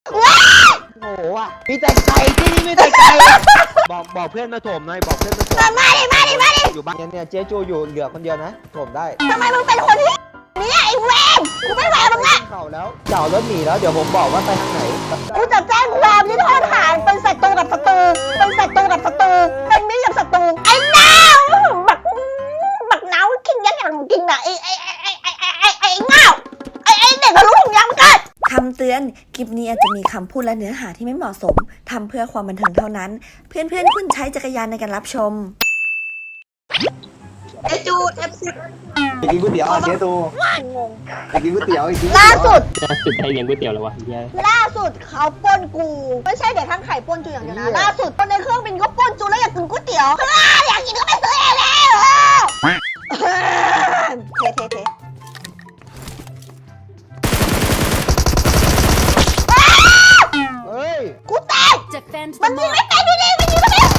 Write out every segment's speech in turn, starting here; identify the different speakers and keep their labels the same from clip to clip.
Speaker 1: โอ้โหอ่ะมีแต่ไก่ที่นี่มีแต่ไก่บอกเพื่อนมาโถมหน่อยบอกเพื่อนมาโถม
Speaker 2: มาดิ
Speaker 1: อยู่บ้านเนี่ยเจ๊จูอยู่เหลือคนเดียวนะโถมได้
Speaker 2: ทำไมมึงเป็นคนที่เนี่ยไอ้เวรกูไม่ไหวมึงละ
Speaker 1: เข่าแล้วเจ้ารถหนีแล้วเดี๋ยวผมบอกว่าไปทางไหน
Speaker 2: กูจะแจ้งความที่โทษฐานเป็นศัตรูกับศัตรูเป็นศัตรูกับศัตรูเป็นมิตรกับศัตรูไอ้นาวบักนาวกินยันอย่างกินน่ะไอ้เงาไอ้เด็กทะลุถุงยางมันกัด
Speaker 3: คำเตือน คลิปนี้อาจจะมีคำพูดและเนื้อหาที่ไม่เหมาะสม ทำเพื่อความบันเทิงเท่านั้น เพื่อนๆคุณใช้จักรยานในการรับชม
Speaker 2: จูเอฟซี
Speaker 4: ไปกินก๋วยเตี๋ยวเจ๊ตู
Speaker 2: งง
Speaker 4: ไปกินก๋วยเตี๋ยวอีกที
Speaker 2: ล่าสุด
Speaker 5: ได้เลี้ยงก๋วยเตี๋ยวแล้ววะ
Speaker 2: ล่าสุดเขาปล้นกูไม่ใช่เด็กทั้งไข่ปล้นจูอย่างเดียวนะล่าสุดคนในเครื่องบินก็ปล้นจูแล้วอยากกินก๋วยเตี๋ยวอยากกินก็ไปซื้อเองแล้วเท
Speaker 1: เฮ้ย
Speaker 2: กูแตกมันยิงไม่แตกดูดิมันยิงไม่แตก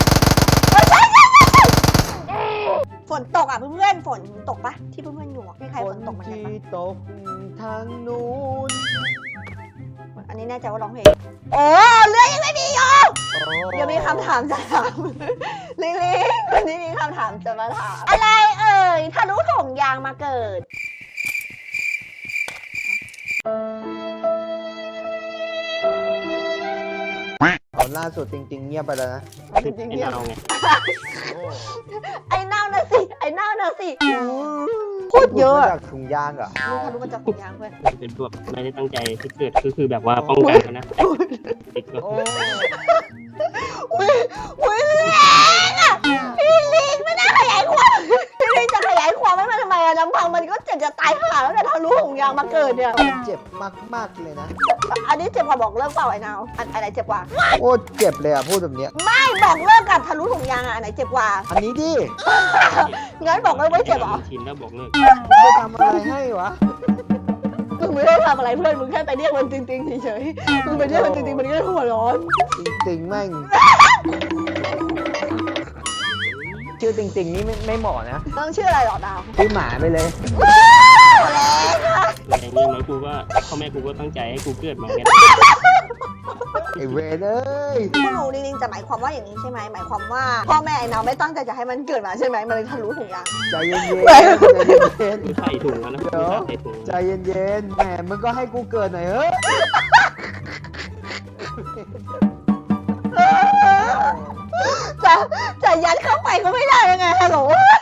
Speaker 2: ฝนตกอ่ะเพื่อนฝนตกปะที่เพื่อนๆอยู่มีใครฝนตกมั้ย
Speaker 1: ที่ตกทางนู้น
Speaker 2: อันนี้แน่ใจว่าร้องเพลงโอ้เรื่องยังไม่มีอยู่ยังมีคำถามจะถามลิลิวันนี้มีคำถามจะมาถามอะไรเอ่ยทะลุถุงยางมาเกิด
Speaker 1: เอาล่าสุดจริงๆเงียบไปแล้วนะ
Speaker 5: ไอ้เน่าไง
Speaker 2: ไอ้เน่านะสิพูดเยอะ
Speaker 1: จากถุงยางเหรอ
Speaker 2: รู้ทะลุมาจากถุงยางเพื่อน
Speaker 5: เป็นพวกไม่ได้ตั้งใจที่เกิดก็คือแบบว่าป้องกันนะติดก็
Speaker 2: อุ้ยแรงอ่ะพี่ลิงไม่น่าขยายความพี่ลิงจะขยายความให้มันทำไมอะลำพังมันก็เจ็บจะตายห่าแล้วแต่ทะลุถุงยางมาเกิดเนี่ย
Speaker 1: เจ็บมากๆเลยนะ
Speaker 2: อันนี้เจ็บกว่าบอกเลิกเปล่าไอ้นาวอันไหนเจ็บกว่า
Speaker 1: โอ้เจ็บเลยอ่ะพูดแบบนี้
Speaker 2: ไม่บอกเลิกกับทะลุถุงยางอ่ะอันไหนเจ็บกว่า
Speaker 1: อันนี้ดิ
Speaker 2: งั้นบอกเลิกไม่เจ็บหรอ
Speaker 5: ชินแล้วบอกเลิก
Speaker 1: ไม่ทำอะไรให้วะ
Speaker 2: มึงไม่ได้ทำอะไรเพื่อนมึงแค่ไปเรียกมันจริงๆเฉยๆมึงไปเรียกมันจริงๆมันก็หัวร้อน
Speaker 1: จริงๆแม่งชื่อจริงๆนี่ไม่เหมาะนะ
Speaker 2: ต้องชื่ออะไรหรอดาว
Speaker 1: ชื่อหมาไปเลย
Speaker 5: แต่อย่างนี้กูก็พ่อแม่กูก็ตั้งใจให้กูเกิดมาไง
Speaker 1: ไอเวรเลย
Speaker 2: พวกหนูจริงๆจะหมายความว่าอย่างนี้ใช่ไหมหมายความว่าพ่อแม่ไอ้นาวไม่ตั้งใจจะให้มันเกิดมาใช่ไหมมันเลยทะลุถุงยาง
Speaker 1: ใจเย็นๆ
Speaker 5: ใส่ถุงแล้วนะ
Speaker 1: ใจเย็นๆแหมมึงก็ให้กูเกิดหน่อยเฮ้ย
Speaker 2: จะยัดเข้าไปก็ไม่ได้ยังไงฮัลโหล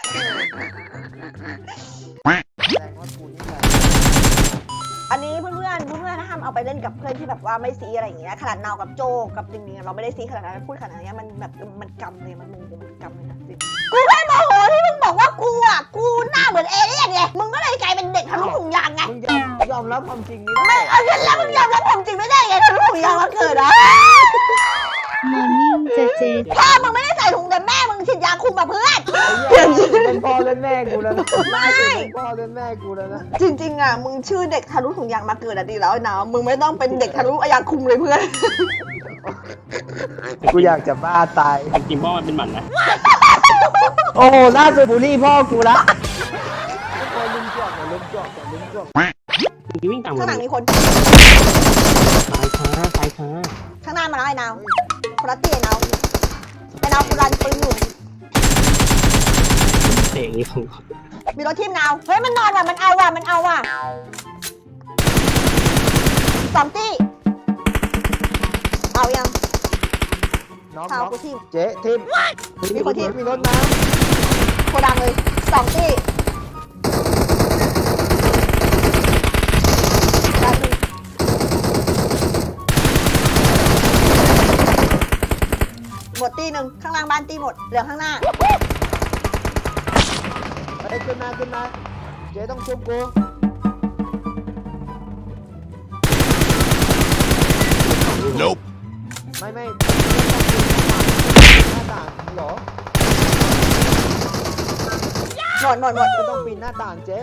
Speaker 2: อันนี้เพื่อนห้ามเอาไปเล่นกับเพื่อนที่แบบว่าไม่ซีอะไรอย่างเงี้ยขนาดนาวกับโจกับจริงๆเราไม่ได้ซีขนาดนั้นพูดขนาดนี้มันแบบมันกำเลยมันมุมกำเลยนะกูแค่โมโหที่มึงบอกว่ากูอ่ะกูหน้าเหมือนเอเลี่ยนไงมึงก็เลยกลายเป็นเด็กทะลุถุงยางไง
Speaker 1: มึงยอมรับความจริง
Speaker 2: ไม่เอาฉันแล้วมึงยอมรับความจริงไม่ได้ไงทะลุถุงยางมาเกิดอ่ะ
Speaker 3: มอร์นิ่งเจ
Speaker 2: พ่อมึงไม่ได้ใส่ถุงแต่แม่มึงฉีดยาคุมกับเพื่อน
Speaker 1: เป็นพ่อเล่นแม่กูแล้วนะ
Speaker 2: ไม่
Speaker 1: พ่อเล่นแม่กูแล้วนะ
Speaker 2: จริงๆอ่ะมึงชื่อเด็กทะลุถุงยางมาเกิดอ่ะดีแล้วนะมึงไม่ต้องเป็นเด็กทะลุยางคุมเลยเพื่อน
Speaker 1: กูอยากจะบ้าตาย
Speaker 5: จริงๆพ่อมันเป็นหมันนะ
Speaker 1: โอ้โหล่าสุดบูลลี่พ่อกูละลุมจอก
Speaker 5: วิ่งตาม
Speaker 2: ข้างหลังมีคน
Speaker 5: ตายช้า
Speaker 2: ข้างหน้ามาแล้วไอ้นาวคนละตีไอ้นาวกูรันปืนอยู่
Speaker 5: เตะอย่างนี้ของ
Speaker 2: มีรถทีมนาวเฮ้ยมันนอนว่ะมันเอาว่ะสองตีเอายัง
Speaker 1: น้อง
Speaker 2: กูทีม
Speaker 1: เจ๊ทีม
Speaker 2: มีคนทีม
Speaker 1: มีรถมา
Speaker 2: โคดังเลยสองตีหมดตีหนึ่งข้างล่างบ้านตีหมดเหลือข้างหน้า
Speaker 1: เฮ้ยขึ้นมาเจ๊ต้องชุบกูไม่หน้าต่างหรอ
Speaker 2: หมด
Speaker 1: ก็ต้องปีนหน้าต่างเจ๊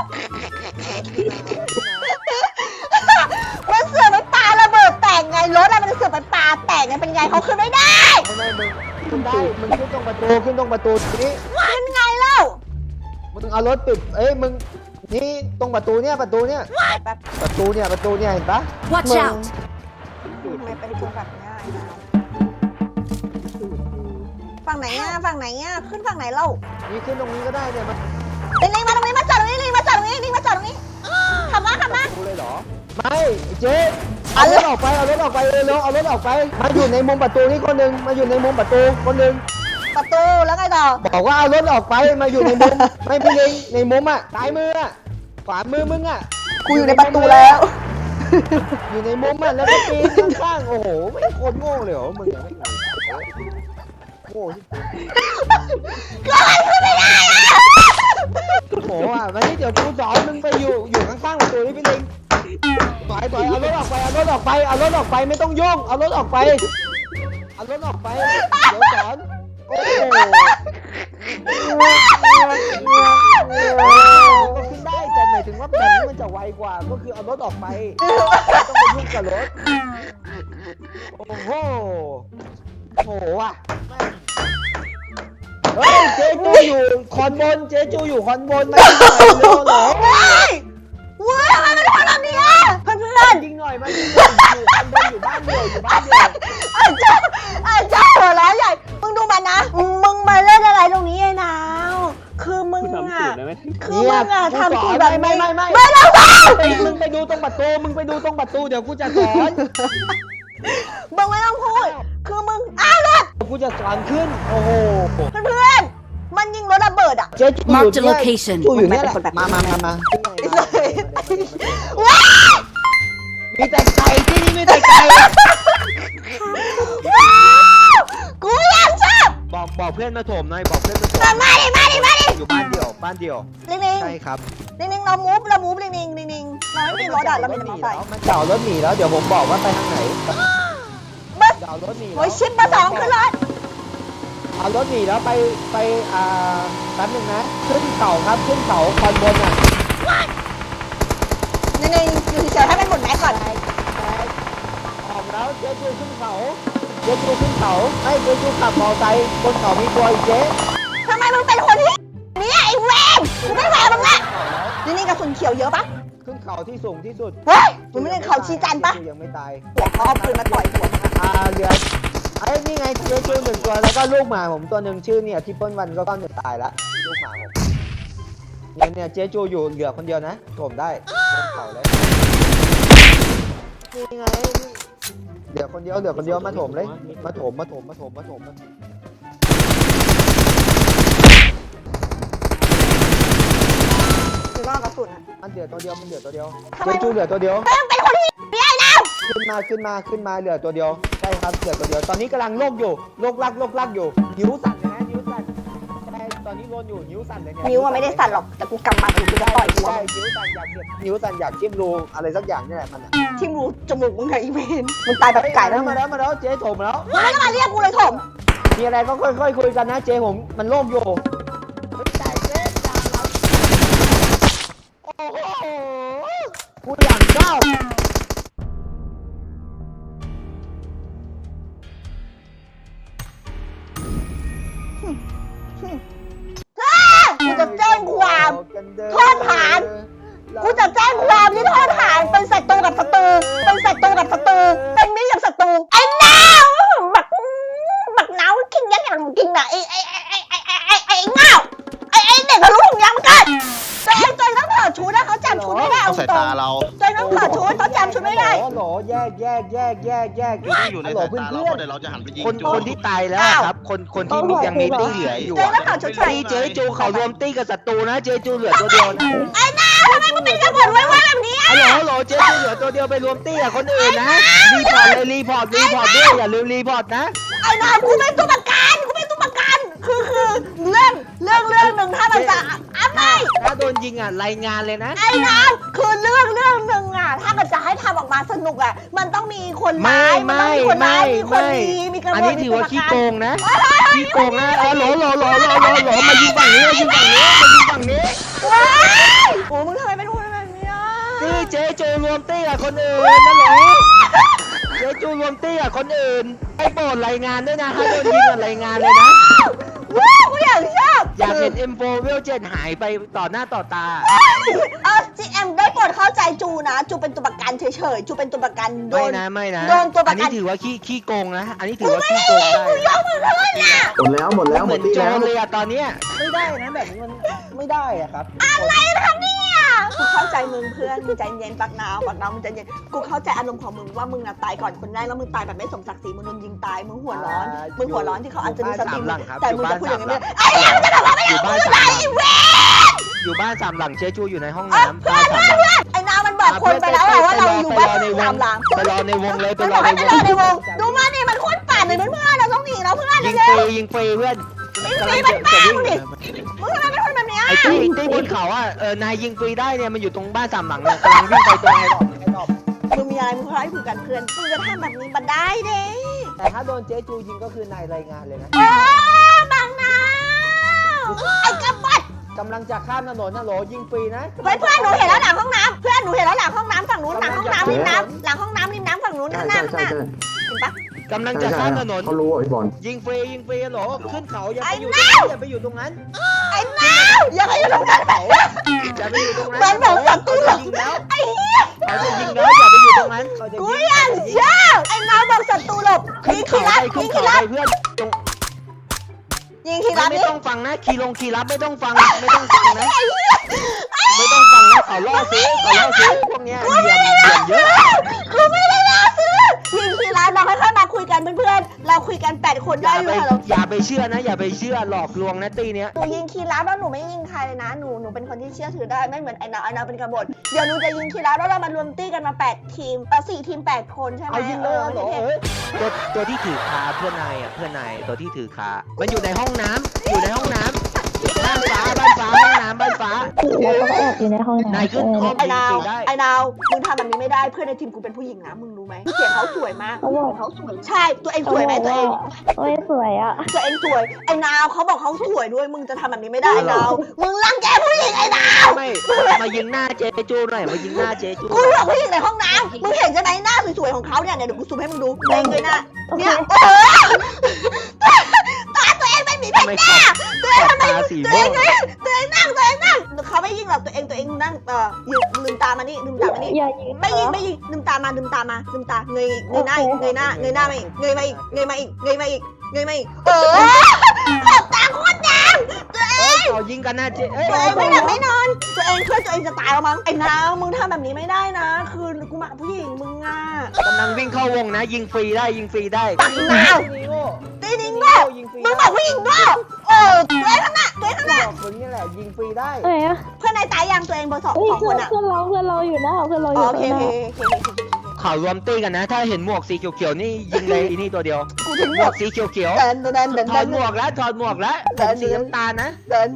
Speaker 2: มันเสือกไปปาระเบิดแตกไงรถอะมันเสือกไปปาแตกไงเป็นไงเขาขึ้นไม่ได้
Speaker 1: ไม่มึงขึ้นได้มึงขึ้นตรงประตูนี้
Speaker 2: ขึ้นไงเล่า
Speaker 1: มึงเอารถปิดมึงนี่ตรงประตูเนี่ยประตูเนี่ยเห็นปะ
Speaker 3: Watch out
Speaker 1: สูตร
Speaker 2: ทำไมเป็นคนแบบนี้ไอ้นาวฝั่งไหนอ่ะฝั่งไหนอ่ะขึ้นฝั่งไหนเล่า
Speaker 1: นี่ขึ้นตรงนี้ก็ได้เนี่ยมัน
Speaker 2: ลิงมาตรงนี้มาจอดตรงนี้ลิงมาจอดตรงนี้ลิงมาจอดตรงนี้ขับมาขับมา
Speaker 1: ดูเลยเหรอไม่เจ๊เอารถออกไปเอารถออกไปเร็วเอารถออกไปมาอยู่ในมุมประตูนี่คนหนึ่งมาอยู่ในมุมประตูคนหนึ่ง
Speaker 2: ประตูแล้วไงต่อ
Speaker 1: บอกว่าเอารถออกไปมาอยู่ในมุม ไม่พี่ลิงในมุมอ่ะซ้ายมืออ่ะขวามือมึงอ่ะ
Speaker 2: กูอยู่ในประตูแล้ว
Speaker 1: อยู่ในมุมอ่ะแล้วก็ปีนข้างๆโอ้โหไม่โคตรโง่เลยเหรอมึงอะไม่โง่ที่
Speaker 2: ก็มันขึ้นไม่ได้อะ
Speaker 1: โอ้โหอ่ะวันนี้เดี๋ยวกูสอนมึงไปอยู่ข้างๆประตูนี่พี่ลิงถอยเอารถออกไปเอารถออกไปเอารถออกไปไม่ต้องยุ่งเอารถออกไปเอารถออกไปเดี๋ยวสอนโอ้โหก็ขึ้นได้แต่หมายถึงว่าแบบนี้มันจะไวกว่าก็คือเอารถออกไปไม่ต้องไปยุ่งกับรถโอ้โหโอ้โหอ่ะเฮ้ยเจ๊จูอยู่คอนบนเจ๊จูอยู่คอนบนมายิงหน่อยเร็วเหรอ
Speaker 2: ว้ายว้ายทำไมมันทำแบบนี้อะเพื่อน
Speaker 1: ยิงหน่อยมายิงหน่อยอยู่คอนบนอยู่บ้านเดียวอยู่บ้านเดียว
Speaker 2: ๆอาเจ้าหัวร้ายใหญ่ มึงดูมันนะ มึงมาเล่นอะไรตรงนี้ไอ้นาว คือมึง
Speaker 5: ทำ
Speaker 2: อะ
Speaker 5: สูตรได้ไหม
Speaker 2: คือมึงอะทำตัวแบบ
Speaker 1: ไม่
Speaker 2: ไม่ต้องสอน
Speaker 1: มึงไปดูตรงประตูมึงไปดูตรงประตูเดี๋ยวกูจะสอน
Speaker 2: มึงไม่ต้องพูด คือมึงอ้าวรถ
Speaker 1: กูจะสอนขึ้นโอ้โห
Speaker 2: เพื่อนๆมันยิงรถระเบิดอะ
Speaker 1: เจ๊จูอยู่เนี่ยจูอยู่เนี่ยแหละมา
Speaker 2: ว้าย
Speaker 1: มีแต่ไก่ที่นี่มีแต่ไก่
Speaker 2: ว้าวกูอยากชอบ
Speaker 1: บอกเพื่อนมาโถมหน่อยบอกเพื่อนมาโถม
Speaker 2: มาดิ
Speaker 1: อยู่บ้านเดียว
Speaker 2: ลิง
Speaker 1: ใช่ครับ
Speaker 2: ๆเรามูฟเราไม่มีรถอะเรามีแต่มอเตอร์ไซค์
Speaker 1: มันเก่ารถหนีแล้วเดี๋ยวผมบอกว่าไปทางไหน
Speaker 2: บัส
Speaker 1: เก่ารถหนี
Speaker 2: โอ้ยชิปมาสองขึ้นรถ
Speaker 1: เอารถหนีแล้วไปแป๊บนึงนะขึ้นเขาครับขึ้นเขาคอนบนอ่ะ
Speaker 2: นิ่งๆอยู่เฉยๆให้มันหมดแม็กก่อน
Speaker 1: ออกแล้วเจ๊จูขึ้นเขาให้เจ๊จูขับมอไซค์บนเขามีตัวอีกเจ๊
Speaker 2: ทำไมมึงเป็นคนที่เนี่ยไอ้เวนกูไม่แหวมึงละนี่กระสุนเขียวเยอะปะ
Speaker 1: ขึ้นเขาที่สูงที่สุด
Speaker 2: เฮ้ยมึงไม่เล่นเขาชีจันปะ
Speaker 1: ยังไม่ตาย
Speaker 2: หัวเขาเอาปืนมาต่อยหัวมึงอะ
Speaker 1: เหลือไอ้นี่ไงเจ๊จูหนึ่งตัวแล้วก็ลูกหมาผมตัวหนึ่งชื่อเนี่ยที่เปิ้ลวันก็จะตายละลูกหมาผมเนี่ยเจ๊จูอยู่เหลือคนเดียวนะผมได้บนเขาเลยนี่ไงเหลือคนเดียวมาโถมเลยมาโถม
Speaker 2: คือว่ากระสุนอะ
Speaker 1: มันเหลือตัวเดียวเจ๊จูเหลือตัวเดียว
Speaker 2: เฮ้ยมึงเป็นคนที่เนี่ยไอ้นาว
Speaker 1: ขึ้นมาเหลือตัวเดียวใช่ครับเหลือตัวเดียวตอนนี้กำลังโลกอยู่โลกลักอยู่นิ้วสั่นเลยนะนิ้วสั่นใช่ตอนนี้โดนอยู่นิ้วสั่นเลยเนี่ย
Speaker 2: นิ้วอะไม่ได้สั่นหรอกแต่กูกำมัดอยู่กูจะต่อยหัว
Speaker 1: ใช่นิ้วสั่นอยากจิ้มรูอะไรสักอย่างนี่แหละมันอะ
Speaker 2: ที่รูจมูกมึงไงอีเวนมึงตายแบบไก่แล้ว
Speaker 1: มาแล้วเจ๊โถมแล้ว
Speaker 2: มึงไม่ต้องมาเรียกกูเลยถม
Speaker 1: มีอะไรก็ค่อยๆคุยกันนะเจ๊ผมมันโลกอยู่โอ้โหกูอยากเจ้า
Speaker 2: กูจะแจ้งความโทษฐาน กูจะแจ้งความที่โทษฐานเป็นศัตรูกับศัตรูเป็นมิตรกับศัตรูไอ้นาวบักนาวกินยักษ์อย่างกินน่ะไอ้เงาไอ้เด็กทะลุถุงยางมันกันตัวเองต้องถอดชุดนะเขาจำชุดไม่ได้เอาตรงตัวเองต้องถอดชุดเขาจำชุดไม่ได้
Speaker 1: หรอแยก
Speaker 6: อยู่ในสายตาเราเพราะเดี๋ยวเราจะหันไปยิง
Speaker 1: คนที่ตายแล้วครับคนที่ยังมีตี้เหลืออยู่
Speaker 2: ตัวเองต้องถอดชุดใส่
Speaker 1: ตี้เจ๊จูเขารวมตี้กับศัตรูนะเจ๊จูเหลือตัวเดียวนะ
Speaker 2: ไอ้นาวทำไมมึงเป็นกระบวนไว้แบบนี้อ่ะ
Speaker 1: ฮัลโหลเจ๊จูเหลือตัวเดียวไปรวมตี้กับคนอื่นนะรีพอร์ตด้วยอย่าลืมรีพอร์ตนะ
Speaker 2: ไอ้นาวกูเป็นตัวประกันคือเรื่องหนึ่งถ้ามันจะไม่
Speaker 1: ถ้าโดนยิงอ่ะรายงานเลยนะ
Speaker 2: ไอ้น้ำคือเรื่องหนึ่งอ่ะถ้ามันจะให้ทำออกมาสนุกอ่ะมันต้องมีคนร้ายมันต้องมีคนร้ายมีคนดีมีกระบวน
Speaker 1: อันนี้ถือว่าขี้โกงนะขี้โกงนะหลมายิงฝั่งนี้
Speaker 2: ว้ายโอ้มึงทำไมเป็นคนแบบนี้อ่ะ
Speaker 1: นี่เจ๊จูรวมตี้กับคนอื่นนั่นเหรอเจ๊จูรวมตี้กับคนอื่นให้โปรดรายงานด้วยนะถ้าโดนยิงรายงานเลยนะ
Speaker 2: ว้าวกูอยากชอบ
Speaker 1: อยากเห็น M4 เวล7หายไปต่อหน้าต่อตา
Speaker 2: GM ได้โปคนเข้าใจจูนะจูเป็นตัวประกันเฉยๆจูเป็นตัวประกันโด
Speaker 1: ไม่
Speaker 2: น
Speaker 1: นะไม่นะ
Speaker 2: โดนตัวประกัน
Speaker 1: อันนี้ถือว่าขี้โกงนะอันนี้ถือว่าขี้โกงได้
Speaker 2: กูยกมือขึ้นน่ะ
Speaker 4: หมดแล้วหมดแล้วห
Speaker 1: เห
Speaker 4: ม
Speaker 1: มื
Speaker 4: ด
Speaker 1: อน
Speaker 4: ที่
Speaker 1: โจ
Speaker 4: แล้ว
Speaker 1: รเลยอะตอนเนี้ยไม่ได้นะแบบนี้มันไม่ได้อะครับ
Speaker 2: อะไรนะครับเนี่ยกูเข้าใจมึงเพื่อนมึงใจเย็นปักนาวมึงใจเย็นกูเข้าใจอารมณ์ของมึงว่ามึงน่ะตายก่อนคนแรกแล้วมึงตายแบบไม่สมศักดิ์ศรีมึงโดนยิงตายมึงหัวร้อนมึงหัวร้อนที่เขาอาจจะดูสตรีมแต่มึงจะพูดอย่างนี้ไม่ได้ไอ้เหี้ยมึงจะบอกว่าไม่
Speaker 1: อยู่
Speaker 2: เอา
Speaker 1: บ้าน
Speaker 2: มือ
Speaker 1: สาม
Speaker 2: ไร
Speaker 1: หลัง
Speaker 2: เว้ย
Speaker 1: อยู่บ้านสามหลังเจ๊จูอยู่ในห้อง
Speaker 2: เอ้ย
Speaker 1: น้ำ
Speaker 2: เพื่
Speaker 1: บ้า
Speaker 2: อน
Speaker 1: นสาม
Speaker 2: เพื่อน
Speaker 1: หลัง
Speaker 2: เพื่อนไอ้นาวมันบอกคนไปแล้วว่าเราอยู่บ้านสามหลัง
Speaker 1: ไปรอในวงเลยไป
Speaker 2: มัน
Speaker 1: ร
Speaker 2: บ
Speaker 1: อ
Speaker 2: อก
Speaker 1: ใน
Speaker 2: ให้ไป
Speaker 1: ว
Speaker 2: รอง ในวงดูมาดิมันโคตรป่านเลยเพื่อนเราต้องหนีเราเพื่อน
Speaker 1: ยิง
Speaker 2: เร็
Speaker 1: ฟ
Speaker 2: ว
Speaker 1: รียิงฟรีเพื่อน
Speaker 2: ยิงฟรีมันแป้งดิ มึงทำไมเป็นคนแบบเนี้ย
Speaker 1: ไอ้ตี้บนเขาอ่ะนายยิงฟรีได้เนี่ยมันอยู่ตรงบ้านสามหลังเนี่ยกำลังวิ่งไปตรงไอ้ดอก
Speaker 2: มึงมีอะไรมึงค่อยคุยกันเพื่อนมึงจะทำแบบนี้มาได้เด้
Speaker 1: แต่ถ้าโดนเจ๊จูยิงก็คือนายรายงานเลยนะ
Speaker 2: โอ้บางนาวไอ้กระปัด
Speaker 1: กำลังจะข้ามถนนนะโหลยิงฟรีนะ
Speaker 2: เพื่อนหนูเห็นแล้วหลังห้องน้ำเพื่อนหนูเห็นแล้วหลังห้องน้ำฝั่งนู้นหลังห้องน้ำริมน้ำหลังห้องน้ำริมน้ำฝั่งนู้น
Speaker 4: ใช่
Speaker 2: ข้างหน้า
Speaker 4: ใช่
Speaker 2: ข้างห
Speaker 4: ใช่
Speaker 2: น้า
Speaker 4: ใช่
Speaker 2: เห็นปะ
Speaker 1: กำลังจะข้ามถนน
Speaker 4: เขารู้ไอ้บอล
Speaker 1: ยิงฟรีโหลขึ้นเขาอย่า
Speaker 2: ไอ้
Speaker 1: ไปอยู่
Speaker 2: นาว
Speaker 1: อย่าไปอยู่ตรงนั้น
Speaker 2: ไอ้นาวอย่าไปอยู่ตรงนั้นแบบ
Speaker 1: อย่าไปอยู่ตรงนั้น
Speaker 2: มันแบบศัตรู
Speaker 1: เขาจะยิงแล้ว
Speaker 2: ไอ้เหี้ย
Speaker 1: เขาจะยิงแล้วอย่าไปอยู่ตรงนั้นเขาจะ
Speaker 2: กู
Speaker 1: ยิง
Speaker 2: ยังเชื่อไอ้นาวบอกศัตรูหลบ
Speaker 1: ขึ้
Speaker 2: ยิ
Speaker 1: น
Speaker 2: งที
Speaker 1: เขา
Speaker 2: รั
Speaker 1: ไป
Speaker 2: บ
Speaker 1: ขึ้
Speaker 2: ยิ
Speaker 1: น
Speaker 2: ง
Speaker 1: เขา
Speaker 2: ที
Speaker 1: ไป
Speaker 2: รับ
Speaker 1: เพื่อนตรง
Speaker 2: ยิงทีรับ
Speaker 1: ไม่
Speaker 2: นี่
Speaker 1: ต้องฟังนะคีรับไม่ต้องฟังไม่ต้องฟังนะไม่ต้องฟังนะเขาล่อซื้อพวกเนี้ยเหลี่ยมเยอะ
Speaker 2: กูไม่ได้ล่าซื้อยิงทีรับเราค่อยๆมาคุยกันเพื่อนๆเราคุยกัน8 คน
Speaker 1: อ
Speaker 2: ได้
Speaker 1: ย่า
Speaker 2: อ
Speaker 1: ไป
Speaker 2: ยู่ค่ะเรา
Speaker 1: อย่าไปเชื่อนะอย่าไปเชื่อหลอกลวงนะตีเนี้ย
Speaker 2: หนูยิงคีรับแล้วหนูไม่ยิงใครเลยนะหนูเป็นคนที่เชื่อถือได้ไม่เหมือนไอ้นาวเป็นกบฏเดี๋ยวหนูจะยิงคีรับแล้วเรามารวมตี้กันมา8 ทีม4 ทีม 8 คนใช่ไหม
Speaker 1: เอายิงเลยเหรอ
Speaker 2: เท่
Speaker 1: ตัวที่ถือคาเพื่อนนายตัวที่ถือคามันอยู่ในห้องน้ำบ้านฟ้าห้องน้ำบ้านฟ้า
Speaker 7: แล้วก็แอบอยู่ในห้อง
Speaker 1: นาย
Speaker 7: น้ำ
Speaker 1: ขึ้นห้อง
Speaker 2: ไอ้นาว
Speaker 1: ได้
Speaker 2: ไอ้นาวมึงทำแบบนี้ไม่ได้เพื่อนในทีมกูเป็นผู้หญิงนะมึงรู้ไหมเสียงเขาสวยมาก
Speaker 7: เขาบอก
Speaker 2: เขาสวยใช่ตัวเองสวยไหมตัวเอง
Speaker 7: โอ้ยสวยอ่ะ
Speaker 2: ตัวเองสวยไอ้นาวเขาบอกเขาสวยด้วยมึงจะทำแบบนี้ไม่ได้ไอ้นาวมึงรังแกผู้หญิงไอ้นาว
Speaker 1: ไม่มายิงหน้าเจจูหน่อยมายิงหน้าเจจู
Speaker 2: กูบอกผู้หญิงในห้องน้ำมึงเห็นใช่ไหมหน้าสวยๆของเขาเนี่ยเดี๋ยวกูซูมให้มึงดูเองเลยนะเนี่ยตาตัวเองไม่มีเพชรหน้าตัวเองทำไม
Speaker 1: ตาสี
Speaker 2: ตัว
Speaker 1: ม่
Speaker 2: เอ
Speaker 1: ว
Speaker 2: ง
Speaker 1: ง
Speaker 2: ตัวเองนั่งเขาไม่ยิงหรอกตัวเองนั่งยืนลืมตามานี่ลืมตามานี่
Speaker 7: อย่ายิง
Speaker 2: ไม่ยิงลืมตาเงยหน้ามาอีกเงยมาอีกขอบตาโคตรแดงตัวเอง
Speaker 1: เขายิงกันนะเจ
Speaker 2: ตัวเองไม่หลับไม่นอนตัวเองเพื่อตัวเองจะตายแล้วมั้งไอ้นาวมึงทำแบบนี้ไม่ได้นะ คือกูมากับผู้หญิงมึงอ่ะ
Speaker 1: กำลังวิ่งเข้าวงนะยิงฟรีได้
Speaker 2: ปักนาวตีนิ้งด้วยมึงบอกผู้หญิงด้วยตัวเองข้างหน้า
Speaker 1: บอกมึงนี่แหละยิงฟรีได้
Speaker 7: เอ้ย
Speaker 2: เพื่อนนายตายยังตัวเองเบอร์สอง
Speaker 7: เอ้ย
Speaker 2: คนอ่ะ
Speaker 7: เพื่อนเราอยู่นะเพื่อนเราอยู่
Speaker 2: โอเค
Speaker 1: เขารวมตีกันนะ ถ้าเห็นหมวกสีเขียวๆนี่ยิงเลยอีนี่ตัวเดียว
Speaker 2: กูถึง
Speaker 1: ห
Speaker 2: ห
Speaker 1: ม
Speaker 2: ม
Speaker 1: ว
Speaker 2: ด
Speaker 1: กสีเขียว
Speaker 2: เดิน
Speaker 1: ๆถอดหมวกแล้วผมสีน้ำตาลนะ
Speaker 2: เดิน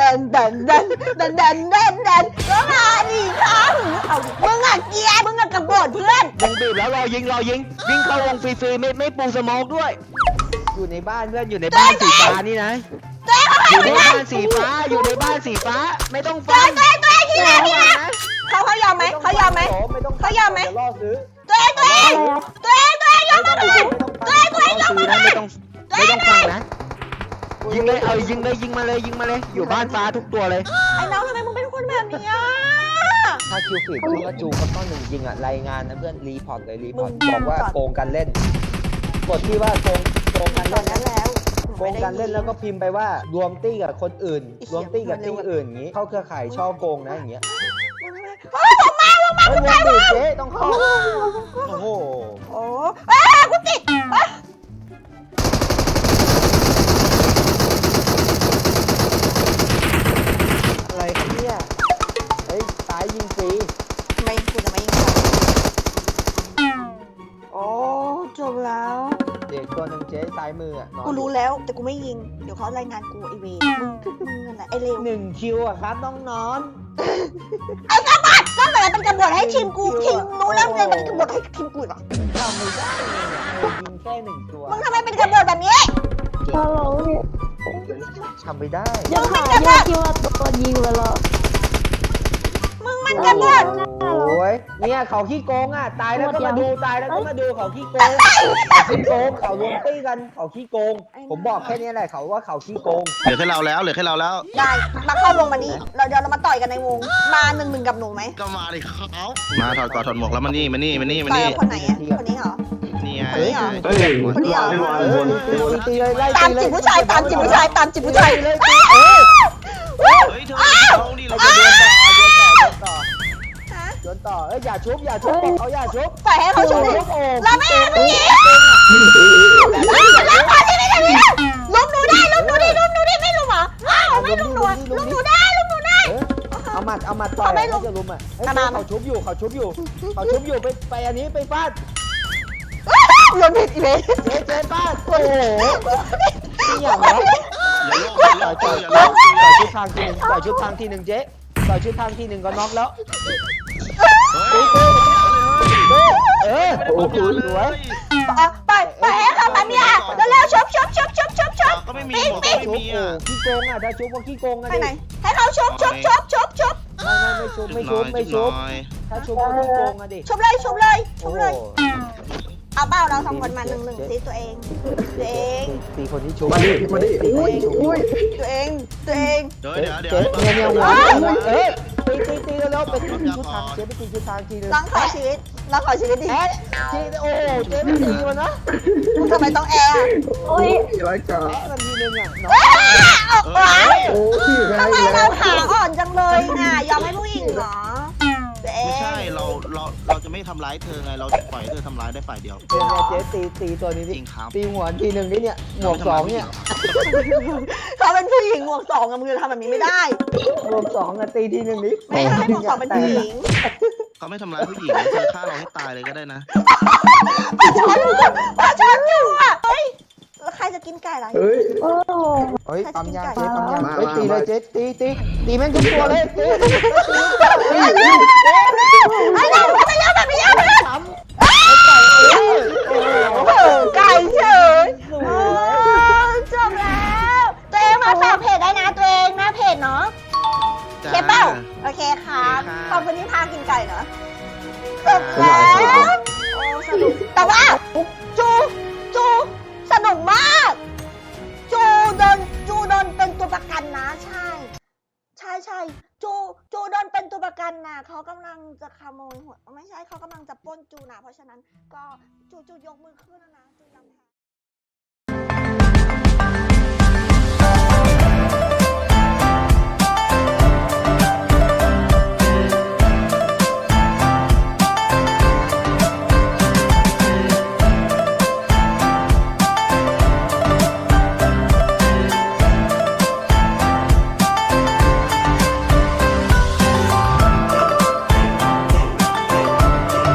Speaker 2: ก็มาดิครับมึงอ่ะเกียร์มึงอ่ะกระโดดเพื่อน
Speaker 1: วงบีบแล้วรอยิงวิ่งเข้าวงฟรีๆไม่ปูสโมกด้วย อยู่ในบ้านเพื่อนอยู่ในบ้านสีฟ้านี่นะอยู่ในบ้านสีฟ้าไม่ต้องฟัง
Speaker 2: ตัวเองที่ไหนเขายอมไหมเขายอมไหม
Speaker 1: เขายอมไหมล่อซื้อ
Speaker 2: ตัวเองยอมไหมตัวเองยอมไหม
Speaker 1: ไม่ต้องฟังนะยิงเลยยิงมาเลยอยู่บ้านฟ้าทุกตัวเลย
Speaker 2: ไอ้น้องทำไมมึงเป็นคนแบบนี้อ่ะ
Speaker 1: ถ้าคิวฟีดคุณก็จูก็ต้องหนึ่งยิงอ่ะรายงานนะเพื่อนรีพอร์ตเลยรีพอร์ต
Speaker 2: มึง
Speaker 1: บอกว่าโกงกันเล่นกดที่ว่าโกงกัน
Speaker 2: ตอ
Speaker 1: เล่
Speaker 2: น
Speaker 1: น
Speaker 2: นั้นแล้ว
Speaker 1: โกงกันเล่นแล้วก็พิมพ์ไปว่ารวมตี้กับคนอื่น รวมตี้กับตี้อื่นอย่างงี้เข้าเครือข่ายช่อโกงนะอย่างเงี้ย
Speaker 2: เฮ้ยผมมา
Speaker 1: เฮ้ยวงบีบเจ๊ต้องเข้าโอ้โห
Speaker 2: โอ้กูติด
Speaker 1: อะไรครับเนี่ยเฮ้ยสายยิงฟรี
Speaker 2: ไม่กูจะไม่ยิงโอ้จบแล้ว
Speaker 1: เด็กตัวหนึ่งเจ๊ซ้ายมืออ่ะนอน
Speaker 2: กูรู้แล้วแต่กูไม่ยิงเดี๋ยวเขารายงานกูไอเวมึงอะไรไอเลว
Speaker 1: หนึ่งคิวอ่ะครับต้องนอน
Speaker 2: ไอ้กบฏก็เหมือนเป็นกบฏให้ทีมกูทีมรู้แล้วเลยเป็นกบฏให้ทีมกูเหรอ
Speaker 1: ทำไม่ได้เลยยิงแค่หนึ่งตัว
Speaker 2: มึงทำไมเป็นกบฏแบบนี้
Speaker 7: เราเนี่ย
Speaker 1: ทำไม่ได้
Speaker 7: ยังหาคิดว่าตัวยิงไปแล้ว
Speaker 2: มึงมันกันหมด
Speaker 1: โอ้ยเนี่ยเขาขี้โกงอ่ะตายแล้วก็มาดูตายแล้วก็มาดูเขาขี้โกงเขาขี้โกงเขารวมตี้กันเขาขี้โกง ผมบอกแค่นี้แหละเขาว่าเขาขี้โกง
Speaker 6: เหลือแค่เราแล้วเหลือแค่เราแล้ว
Speaker 2: ได้มาเข้าวงมานี้เดี๋ยวเรามาต่อยกันในวงมา1-1กับหนูไหม
Speaker 6: ก็มาดิครับมาถอดกอดถอดหมวกแล้วมานี่มานี่มานี่มา
Speaker 2: ต่อย
Speaker 6: นี่
Speaker 2: กับคนไหนอ่ะคนนี้เหรอ
Speaker 6: นี่ไง
Speaker 2: คนนี้เหรอ
Speaker 4: เฮ้ย
Speaker 2: คนนี้เหรอ
Speaker 1: ตีเลยไล่
Speaker 2: ตามจีบผู้ชายตามจีบผู้ชายตามจีบผู้ชาย
Speaker 1: เลย
Speaker 6: เฮ้ยเธอเอาดิเรา
Speaker 1: โย
Speaker 6: จะ
Speaker 1: นต่อโยนต่อเอ้ยอย่าชุบบอกเขาอย่าชุบ
Speaker 2: ปล่อยให้เขาชมดิ
Speaker 1: โอ้
Speaker 2: เราไม่เอาอย่างนี้แล้วพอที่ไม่ได้ลุมหนูได้ลุมหนูดิลุมหนูดิไม่ลุมเหรอไม่ลุมหนูลุมหนูได้ลุมหนูได้
Speaker 1: เอาหมัดต่อยเขาจะลุมอ่ะเขาชุบอยู่เขาชุบอยู่ไปอันนี้ไปฟาด
Speaker 2: ลุมผิดอีเวน
Speaker 1: เจ๊ฟาดโอ้โหนี่อย่างวะ
Speaker 6: อย่า
Speaker 1: ต่
Speaker 6: โล
Speaker 1: อย
Speaker 6: กอย่าโลก
Speaker 1: ชุดทางทีหนึ่งต่อยชุดทางทีหนึ่งเจ๊ต่อยชุดทางทีหนึ่งก็น็อกแล้ว
Speaker 6: โอ้โห
Speaker 1: สวย
Speaker 2: ไปให้เขามาเนี่ยเร็วๆชบ
Speaker 6: ก็ไม่มีหมวกก็ไม่
Speaker 1: ชุบ
Speaker 6: มีอ่ะ
Speaker 1: ขี้โกงอ่ะถ้าชุบว่าขี้โกงอ่ะ
Speaker 2: ไป
Speaker 1: ดิ
Speaker 2: ไหนให้เขาชบ
Speaker 1: ไม่ชุบถ้าชุบว่าขี้โกงอ่ะดิ
Speaker 2: ชบเลย
Speaker 1: โอ้โห
Speaker 2: เอาเป้าเราสองคนมา1-1สิตัวเอง
Speaker 1: ตีคนที่ชุบ
Speaker 4: มาดิมาดิ
Speaker 1: ตีคนที่ชุบ
Speaker 2: ตัวเอง
Speaker 6: เดี๋ยว
Speaker 1: เนี่ยหัวตีแล้วไปตีชุดทางเจ๊ไปตีชุดทางทีนึง
Speaker 2: ร้องขอชีวิตดิ
Speaker 1: แอดทีโอ้เจ๊ไม่ตีมันนะ
Speaker 2: มึงทำไมต้องแอร์
Speaker 7: โอ้ย
Speaker 4: ร้อยกา
Speaker 1: แอดมันทีนึงอ่ะน้อง
Speaker 2: ออกมา
Speaker 4: โอ้ยไง
Speaker 2: ทำไมเราขาอ่อนจังเลยน่ะยอมให้ผู้หญิงเหรอตัวเอ
Speaker 6: ไม่ใช่
Speaker 2: ง
Speaker 6: เราจะไม่ทำร้ายเธอไงเราจะปล่อยเธอทำร้ายได้ฝ่ายเดียว
Speaker 1: เจ๊ตีตัวนี้
Speaker 6: จ
Speaker 1: ดิ
Speaker 6: ริงครับ
Speaker 1: ตีหัวทีนึงนี่เนี่ยหมวกสองเนี่ย
Speaker 2: เขาเป็นผู้หญิงหมวก2กับมึงจะทำแบบนี้ไม่ได้
Speaker 1: หมวกสองอะตีทีนึงนี้
Speaker 2: ไม่ให้หมวก2เป็นผู้หญิง
Speaker 6: เขาไม่ทำร้ายผู้หญิงเธอฆ่าเราให้ตายเลยก็ได้นะ
Speaker 2: ปลาช้อนอยู่อ่ะเฮ้ยแล้วใครจะกินไก่ล่ะ
Speaker 4: เฮ้ย
Speaker 7: โอ้โห
Speaker 1: เฮ้ยปั๊มยาเจ๊
Speaker 7: มา
Speaker 1: ปั๊มยา
Speaker 4: มา
Speaker 1: เฮ้ยตีเลยเจ๊ตีแม่งทุกตัวเลยเจ๊
Speaker 2: ไอ้เราไปเร็วแบบนี้
Speaker 1: ทำไก่โอ้โห
Speaker 2: ไก่เฉยจบแล้วตัวเองมาฝากเพจได้นะตัวเองหน้าเพจเนาะโอเคเปล่าโอเคครับขอบคุณที่พากินไก่เนาะจบแล้วโอ้สนุกแต่ว่าจูสนุกมากจูโดนเป็นตัวประกันนะใช่จูโดนเป็นตัวประกันนะเขากำลังจะขโมยหัวไม่ใช่เขากำลังจะปล้นจูนะเพราะฉะนั้นก็จูยกมือขึ้นแล้วนะจูยอมแพ้